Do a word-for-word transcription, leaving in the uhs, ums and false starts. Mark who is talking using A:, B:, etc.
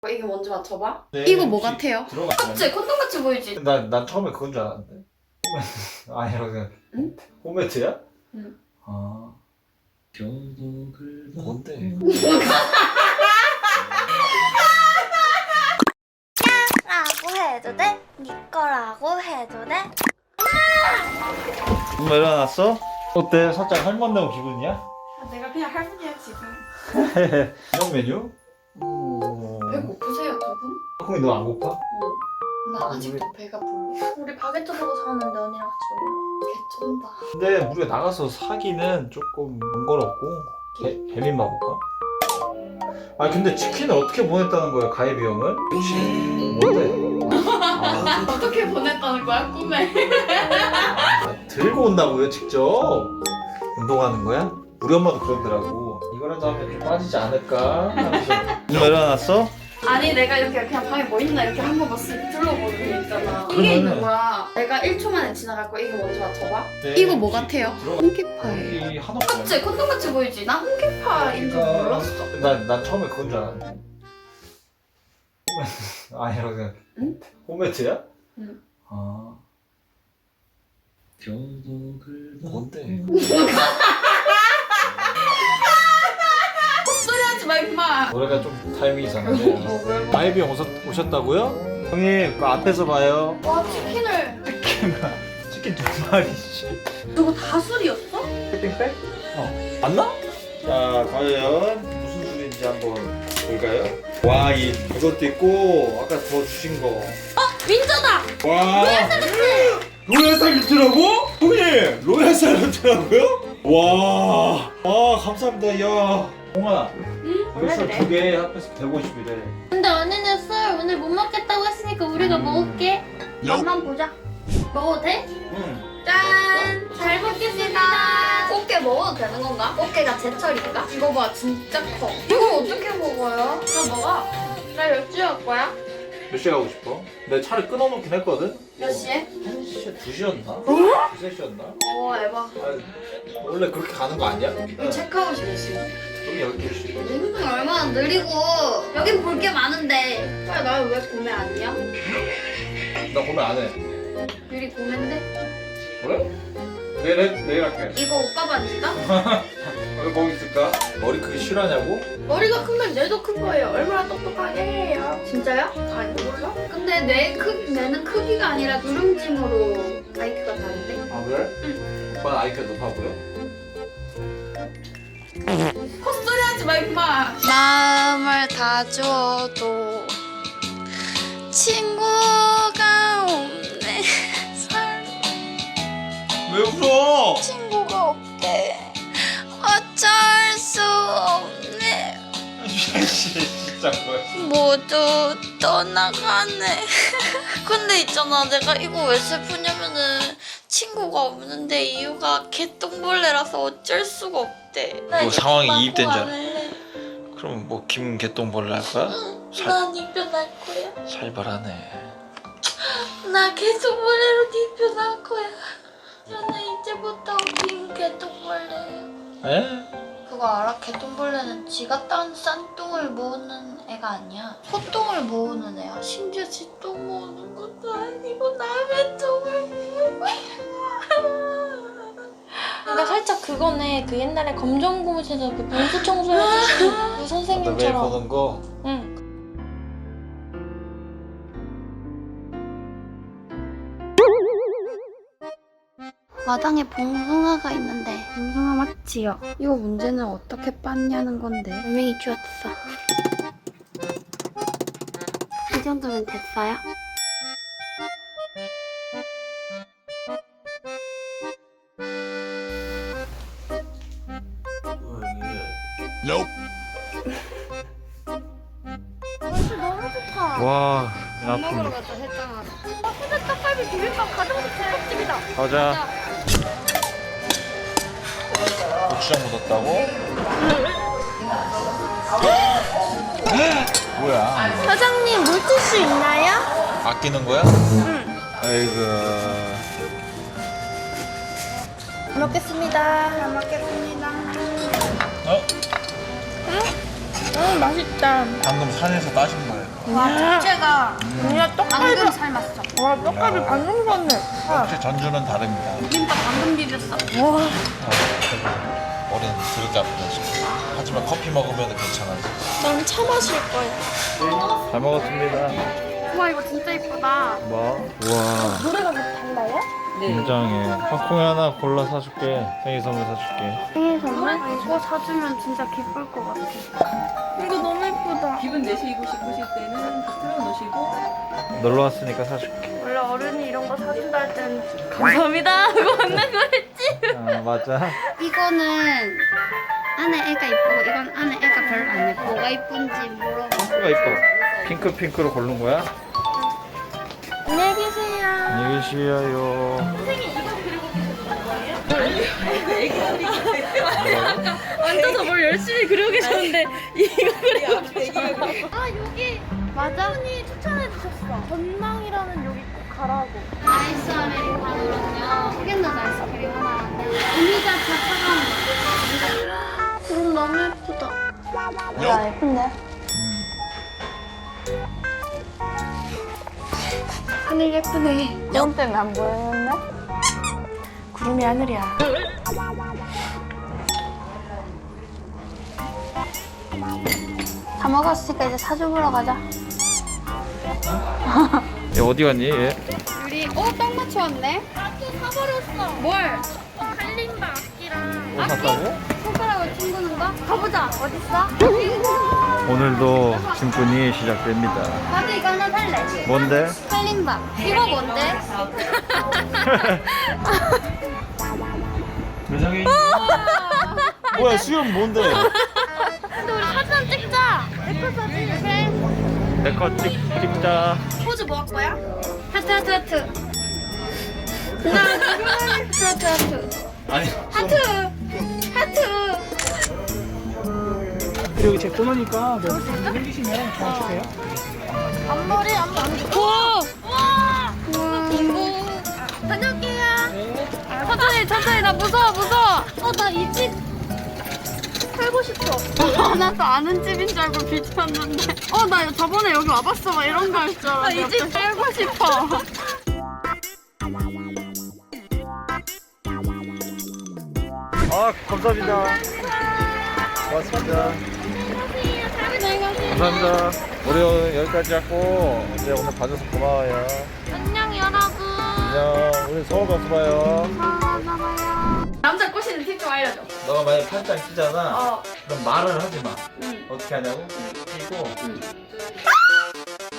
A: 이게 뭔지 맞춰봐.
B: 네,
A: 이거 뭐 같아요?
B: 들어가.
A: 맞지? 콘돔같이 보이지?
B: 난, 난 처음에 그건 줄 알았는데. 홈매트. 아니라고 생각.
A: 응?
B: 홈매트야?
A: 응.
B: 아. 뭔데?
C: 라고 해도 돼? 네 거라고 해도 돼?
B: 엄마 일어났어? 어때? 살짝 할머니 온 기분이야?
A: 내가 그냥 할머니야 지금.
B: 이런 메뉴? 오.
A: 배고프세요 두 분?
B: 형이 너 안 고파?
A: 응. 나 아직도 배가 불러.
C: 우리 바게트 보고 사왔는데 언니랑 같이 먹을래?
A: 개쩐다.
B: 근데 우리가 나가서 사기는 조금 번거롭고 배, 배민 봐볼까? 아 근데 치킨을 어떻게 보냈다는 거야 가해 비용을? 그치 뭔데? 아,
A: 어떻게 보냈다는 거야 꿈에?
B: 아, 들고 온다고요 직접? 운동하는 거야? 우리 엄마도 그러더라고 이거라도 하면 좀 빠지지 않을까 하면서 엄마 일어났어?
A: 아니 내가 이렇게 그냥 방에 뭐 있나 이렇게 한 번만 쓱 둘러보는 게 있잖아.
B: 그러면은-
A: 이게 있는 거야. 내가 일 초 만에 지나갈 거야. 이거 뭔지 맞춰봐.
B: 네,
A: 이거 뭐
B: 혹시
A: 같아요?
B: 들어가-
A: 홍키파예요.
B: 여기 한옥
A: 맞지? 콘돔같이 보이지? 난 홍키파인 줄 몰랐어.
B: 난, 난 처음에 그건 줄 알았는데 홈매트 아니라고 생각.
A: 응?
B: 홈매트야?
A: 응.
B: 아. 뭔데?
A: 헛소리 하지 마 임마.
B: 노래가 좀 타이밍이 이상한데.
A: 뭐, 왜, 뭐.
B: 마이비 오셨, 오셨다고요? 형님 그 앞에서 봐요.
A: 와 치킨을.
B: 치킨 두 마리씩.
A: 저거 다 술이었어?
B: 쇼핑백? 어. 맞나? 자 과연 무슨 술인지 한번 볼까요? 와인 이것도 있고 아까 더 주신 거.
A: 윈저다.
B: 와. 로얄 살루트라고? 형님 로얄 살루트라고요? 와. 아 감사합니다. 야. 홍아.
A: 응?
B: 이거 술두개 합해서 백오십이래.
C: 근데 언니는 술 오늘 못 먹겠다고 했으니까 우리가 먹을게. 맛만 보자. 먹어도 돼?
B: 응.
C: 짠! 잘 먹겠습니다.
A: 꽃게 먹어도 되는 건가?
C: 꽃게가 제철인가?
A: 이거 봐 진짜 커. 이거 어떻게 먹어요?
C: 나 먹어. 나 몇 시에 갈 거야?
B: 몇 시에 가고 싶어? 내가 차를 끊어놓긴 했거든?
A: 몇 시에?
B: 한 시에 두 시였나? 두세 시였나?
A: 어 에바.
B: 아, 원래 그렇게 가는 거 아니야?
A: 이 체크아웃이 몇 시야?
B: 여기 열두 시.
A: 운동이 얼마나 느리고 여긴 볼 게 많은데 왜 나를 왜 구매 아니야?
B: 나 고민 안 해.
A: 유리 구매인데?
B: 그래? 내일, 해- 내일 할게.
A: 이거 옷가 반지다?
B: 왜 거기 있을까? 머리 크기 실하냐고?
A: 머리가 크면 뇌도 큰 거예요. 얼마나 똑똑하게 해요. 진짜요? 아니 몰라? 근데 뇌 크, 뇌는 크기가 아니라 누름짐으로 아이큐가 다른데?
B: 아 그래? 응. 오빠는 아이큐가 높아 보여?
A: 헛소리 하지 마 임마.
C: 마음을 다 주어도 친구가 없네. 살
B: 왜 웃어?
C: 친구가 없대. 어쩔 수 없네.
B: 진짜 뭐야?
C: 모두 떠나가네. 근데 있잖아, 내가 이거 왜 슬프냐면은 친구가 없는데 이유가 개똥벌레라서 어쩔 수가 없대. 나
B: 뭐
C: 이제
B: 상황이
C: 그만
B: 이입된 줄 알아.
C: 고만할래.
B: 그럼 뭐 김개똥벌레 할 거야? 살,
C: 난 이별할 거야.
B: 살벌하네.
C: 나 개똥벌레로 이별할 거야. 나는 이제부터 김개똥벌레야.
B: 에?
C: 그거 알아? 개똥벌레는 지가 딴 싼똥을 모으는 애가 아니야. 소똥을 모으는 애야. 심지어 지 똥 모으는 것도 아니고 남의 똥을 모으고. 그러니까 살짝 그거네. 그 옛날에 검정고무신에서 그 변수 청소해주시는 그
B: 매일
C: 선생님처럼.
B: 보는 거?
C: 응. 마당에 봉숭아가 있는데 봉숭아 맞지요?
A: 이거 문제는 어떻게 빻냐는 건데.
C: 분명히 주웠어. 이 정도면 됐어요? 날씨 너무 좋다.
B: 와,
A: 밥 먹으러 가자 했잖아.
C: 근데 떡갈비 비빔밥 가정식 집밥집이다.
B: 가자. 고추장 묻었다고? 뭐야?
C: 사장님 물티슈 있나요?
B: 아끼는 거야? 응. 아이고.
C: 잘 먹겠습니다.
A: 잘 먹겠습니다.
B: 어?
C: 음 맛있다.
B: 방금 산에서 따신 거예요.
A: 와 자체가
D: 그냥 떡갈비.
A: 방금 삶았어.
D: 와 떡갈비 방금 샀네.
B: 역시 전주는 다릅니다.
A: 김밥 방금 비볐어.
D: 와.
B: 머리는 드럽게 아프다. 하지만 커피 먹으면 괜찮아요.
D: 난 차 마실 거야.
B: 잘 먹었습니다.
A: 와 이거 진짜 이쁘다.
B: 뭐? 우와.
D: 노래가 달라요?
B: 굉장해. 팝콘 하나 골라 사줄게. 생일 선물 사줄게.
D: 생일 선물?
A: 이거 사주면 진짜 기쁠 것 같아.
D: 이거 너무 예쁘다.
E: 기분 내시고 싶으실 때는 다 틀어놓으시고
B: 놀러 왔으니까 사줄게.
D: 원래 어른이 이런 거 사준다 할 때는 감사합니다 하고 웃는 거랬지.
B: 아 맞아.
A: 이거는 안에 애가 이쁘고 이건 안에 애가 별로 안 예뻐. 뭐가 이쁜지 물어봐.
B: 핑크가 이뻐. 핑크 핑크로 고른 거야?
D: 안녕히 계세요.
B: 안녕히 계시어요.
D: 앉아서 뭘 열심히 그리고 계셨는데 이거 그리고 계셨어.
E: 아
D: 여기 맞아? 분이 추천해 주셨어. 전망이라는 여기 꼭 가라고.
A: 아이스 아메리카노랑요. 포겐넛 아이스크림 하나랑요. 음료자차 차가운
D: 음, 너무 예쁘다. 야 예쁜데? 하늘 예쁘네. 영 때문에 안 보였는데? 구름이 하늘이야.
A: 다 먹었으니까 이제 사주 보러 가자.
B: 얘 어디 갔니? 얘?
A: 우리 어딱 맞춰왔네.
D: 사버렸어.
A: 뭘?
D: 칼림바 악기랑.
B: 뭐 샀다고?
A: 손가락을 튕기는 거? 가보자. 어딨어?
B: 오늘도 짐꾼이 시작됩니다.
A: 나도 이거 하나 살래.
B: 뭔데?
A: 칼림밥. 이거 뭔데?
B: 매장에 뭐야 수염 뭔데?
D: 근데 우리 사진 찍자. 예쁜 사진. 그래.
B: 내거 찍자.
D: 포즈 뭐 할 거야?
A: 하트 하트 하트. 하나 둘 하트 하트 하트.
B: 아니
A: 하트 하트.
F: 여기 제 코너니까 여기 생기시면 전화 주세요.
D: 앞머리 앞머리. 우와. 우와. 빙고. 다녀올게요. 천천히 천천히 나 무서워 무서워. 어 나 이 집 살고 싶어.
A: 나도 아는 집인 줄 알고 비쳤는데. 어 나 저번에 여기 와봤어 막 이런 거 할 줄 알았는데.
D: 이 집
A: 살고 싶어.
B: 아 감사합니다. 고맙습니다. 감사합니다. 우리 여기까지 하고 이제 오늘 봐줘서 고마워요.
D: 안녕 여러분.
B: 안녕. 우리 서울 가서 봐요.
A: 남자 꼬시는 팁 좀 알려줘.
B: 너가 만약 팔짱 끼잖아.
A: 어.
B: 그럼 말을 하지 마.
A: 응.
B: 어떻게 하냐고? 끼고